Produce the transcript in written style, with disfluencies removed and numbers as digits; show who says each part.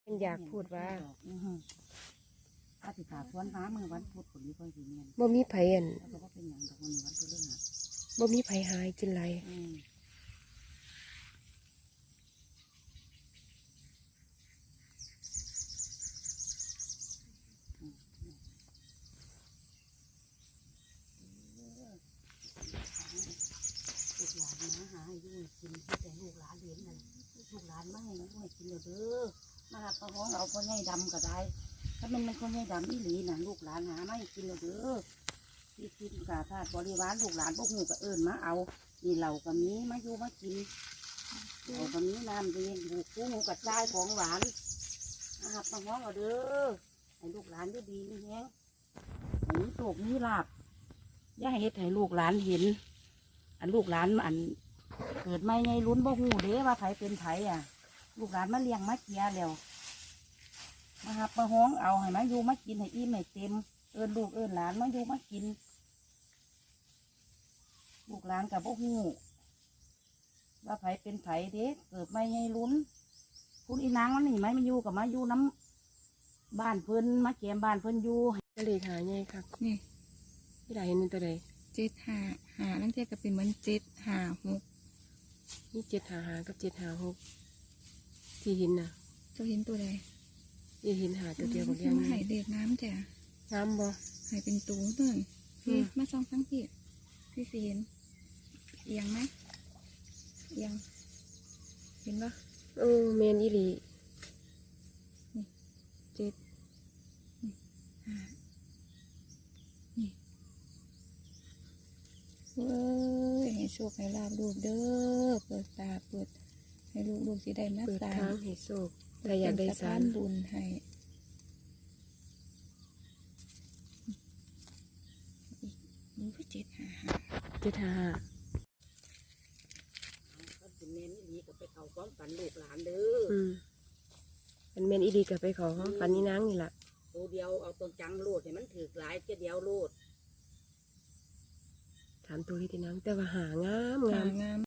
Speaker 1: มันอยากพูดว่า
Speaker 2: ถ้าติดตาสวนฟ้ามือวันพุธคนนี้ก็สิเมียน
Speaker 1: บ่มีไผอัน
Speaker 2: แล้วก็เป็นอย่างดอกมันวันพฤหัส
Speaker 1: บ่มีไผหายจนไร
Speaker 2: ลูกหลานมาหาให้ด้วยกินที่แต่ลูกหลานเลี้ยงนั่นลูกหลานมาให้ด้วยกินเด้อมาหักกระห้องเอาคนใหญ่ดำก็ได้ถ้ามันคนใหญ่ดำอีหลีน่ะลูกหลานหาไม่กินเด้อที่กินกาธาตุบริวารลูกหลานพวกหูก็เอิญมาเอานี่เหล่ากับนี้มาอยู่มากินเหล่ากับนี้น้ำเย็นบุกกุ้งกระจายของหวานมาหักกระห้องเอาเด้อให้ลูกหลานได้ดีนี่แฮงให้มีโชคมีลาภอย่าให้เฮ็ดให้ลูกหลานเห็นอันลูกหลานอันเกิดไม่ไงลุ้นบ่หูเด้ว่าไผเป็นไผอ่ะลูกหลานมาเลี้ยงมาเกียแล้วมาหับมาห้องเอาให้มาอยู่มากินให้อิ่มให้เต็มเอิญลูกเอิญหลานมาอยู่มากินลูกหลานกับบ่หูว่าไผเป็นไผเด้เกิดไม่ไงลุ้นคุณอีนางมันนี่ไหมมาอยู่กับมาอยู่น้ำบ้านเพิ่นมาแกมบ้านเพิ่นอยู่
Speaker 1: ก็เลยหาไงครับ
Speaker 3: นี่
Speaker 1: ที่ได้เห็นเป็นตัวใด
Speaker 3: 755นั่นเทียก็เป็นเหมือน756
Speaker 1: นี่755กับ756ที่เห็นน่ะ
Speaker 3: เจ้าเห็นตัวใด
Speaker 1: ที่เห็นหาตัวเดียวกับ
Speaker 3: คื
Speaker 1: ยั
Speaker 3: อง มาให้เด็กน้ำจ้ะ
Speaker 1: น้ำบ่
Speaker 3: ให้เป็นตูต้นพี่มาส่องทั้งพี่พี่สิเห็นเอียงไหมเอียงเห็นปะ
Speaker 1: แมนอีหลี
Speaker 3: 7นี่5นี่เว้ยให้โชคให้ลาบลูกเด้อเปิดตาเปิดให้ลูกสิได้มา
Speaker 1: เปิด
Speaker 3: สร้า
Speaker 1: ทาง
Speaker 3: ง
Speaker 1: ให้โชคถ้าอยากได้สาร
Speaker 3: บุญให้นี่ก็755
Speaker 1: 755
Speaker 2: ก็สิแม่นอีหลีก็ไปเข้าความฝันลูกหลานเด้อ
Speaker 1: มันแมนอีหลีกับไปขอห้องฝันนี่นางนี่แหละ
Speaker 2: ตัวเดียวเอาตัวจังโลดให้มันถือหลายเดียวโลด
Speaker 1: ถามตัวที่นางแต่ว่าหางาม
Speaker 3: งาม